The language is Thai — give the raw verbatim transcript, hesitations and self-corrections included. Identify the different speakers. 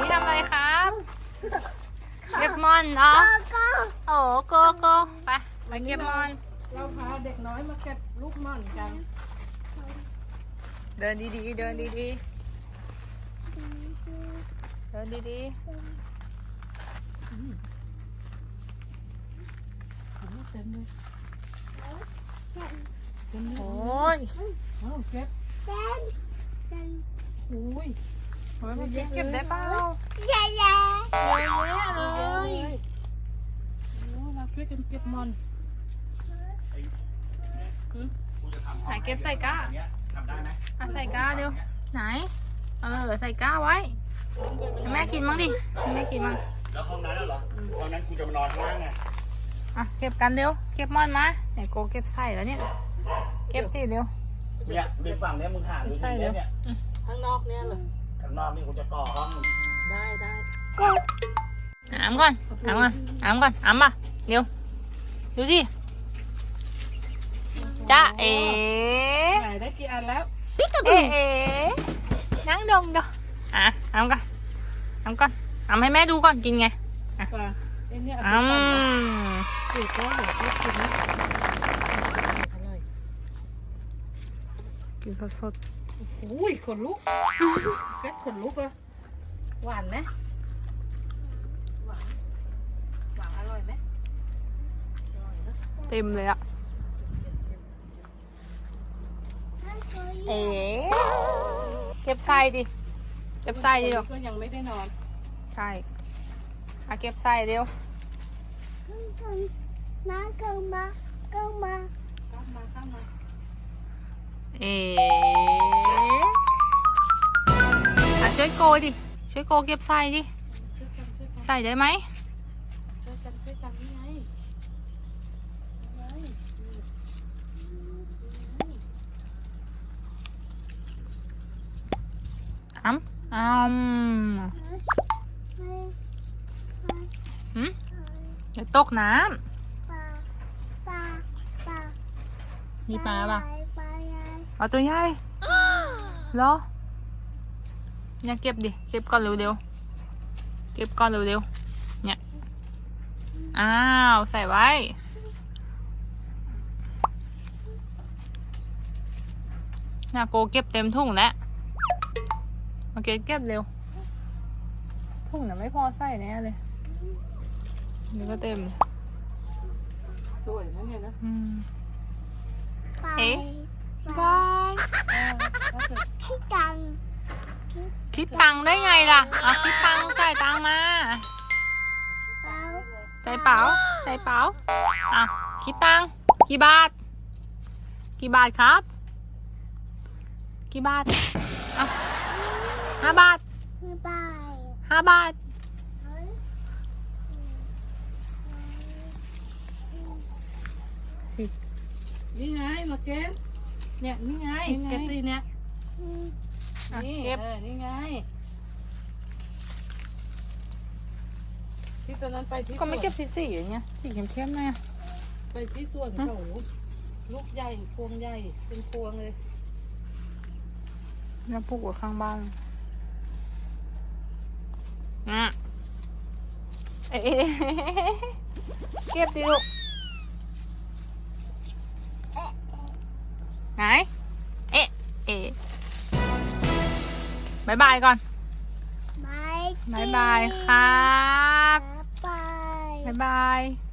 Speaker 1: นี่ทำอะไรครับเก็บมอนเหรอโอ้โกโก้ไปไปเก็บมอน
Speaker 2: เราพาเด็กน้อยมาเก็บลูกม่อนกัน
Speaker 1: เดินดีๆเดินดีๆเดินดีๆ
Speaker 2: เต็มเลยเต็มเลย
Speaker 1: โอ้ย
Speaker 2: เอาเก็บอุ้ย
Speaker 1: โอ้ยมันเก็บได้เปล่าเย
Speaker 3: เย้
Speaker 1: อะแยะเล
Speaker 2: เยอะเลย ยโอ้เราช่วยกันเก็บม่อน
Speaker 1: ไหนเก็บใส่ก้า
Speaker 4: ทำได้ไหม
Speaker 1: อ่ะใส่ก้าเดี๋ยวไหนเออใส่ก้าไว้ให้แม่กินมั้งดิให้แม่กินมั้ง
Speaker 4: แล้วห้องนั้นเหรอห้องนั้นกูจะมานอนข้างล่างไง
Speaker 1: อ่ะเก็บกันเร็วเก็บมอนมาไหนโกเก็บใส่แล้วเนี่ยเก็บสิเร็ว
Speaker 4: เนี่ยดึงฝั่งเนี้ยมึงห่างดูดิเนี่ย
Speaker 2: ข้างนอกเนี่ยเหรอ
Speaker 4: ข้างนอกนี่กูจะก่อห้อง
Speaker 2: ได้ได้
Speaker 1: อ้ำก่อนอ้ำก่อนอ้ำก่อนอ้ำมาเร็วดูสิจ้าเอ๋
Speaker 2: ไหนได้กี่อันแล้ว
Speaker 1: เอ๋เอ๋นั่งดงดงอ่ะอ้ำก่อนอ้ำก่อนอ้ำให้แม่ดูก่อนกินไง
Speaker 2: ป่ะไอ้เนี่ย
Speaker 1: อ้ำ
Speaker 2: เด็กก็เด็กก็กินนะอร่อย
Speaker 1: กินสด
Speaker 2: อุ้ยขนลุกเฟ็ดขนลุกอะหวานไหมหวานหวานอร่อยไหมอร่อยนะ
Speaker 1: ๆเต็มเลยอะเอ๋เก็บใส่ดิเก็บใส่ดิเดี๋ยว
Speaker 2: ก็ยังไม่ได้นอน
Speaker 1: ใช่อ่ะเก็บใส่เร็ว
Speaker 3: มาเข้ามาเข้ามา
Speaker 2: ข้ามมาข้ามมา
Speaker 1: เอ๋อ่ะช่วยโกดิช่วยโกเก็บใส่ดิ
Speaker 2: ช่วยกันช่วยกัน
Speaker 1: ใส่ได้ไหม
Speaker 2: ช่วยกันช่วยกันนี่ไงนี่ไง
Speaker 1: อ้ำอ้ำหืมเดี๋ยวตกน้
Speaker 3: ปลาปลาปลา
Speaker 1: ำมีปลาป่ะ
Speaker 3: ปลาใหญ่
Speaker 1: เอาตัวใหญ่เหรอเนี่ยเก็บดิเก็บก่อนเร็วๆเก็บก่อนเร็วๆเนี่ยอ้าวใส่ไว้น่าโกเก็บเต็มถุงแล้วโอเคเก็บเร็วถุงน่ะไม่พอใส่แน่เลยนี่ก็เต็มเลย
Speaker 2: สวยนะเนี่ยนะ
Speaker 1: อืม
Speaker 3: ปลา
Speaker 1: เอ๊ะ
Speaker 3: ปลา
Speaker 1: บาย
Speaker 2: เออถ้าเกิด
Speaker 3: ที่ตัง
Speaker 1: คิดตังค์ได้ไงล่ะเอาคิดตังค์จ่ายตังค์มา
Speaker 3: เปล่า
Speaker 1: ใส่เป๋าใส่เป๋าอ่ะคิดตังค์กี่บาท กี่บาทครับ กี่บาทอ่ะห้าบาท
Speaker 3: ไม่ไป
Speaker 1: ห้าบาทสิ
Speaker 2: นี่ไงมาเก็บเนี่ยนี่ไงเก็บสิเนี่ย
Speaker 1: อ่ะ
Speaker 2: นี่
Speaker 1: เก็บ
Speaker 2: เออนี่ไงที่ตอนนั้นไปที่
Speaker 1: ก็ไม่เก็บ
Speaker 2: สวน
Speaker 1: สีสีอย่างเงี้ยสีเข้มๆหน่อยอ่ะ
Speaker 2: ไปที่สวนเขาลูกใหญ่พวงใหญ่เป็นพวงเลย
Speaker 1: แล้วปลูกไว้ข้างบ้านอ่ะเอ๊ะเก็บดิลูกไหนเอ๊ะเอ๊ะบายบายก่อน
Speaker 3: ไม่
Speaker 1: บายบายครับ
Speaker 3: ไป
Speaker 1: บายบาย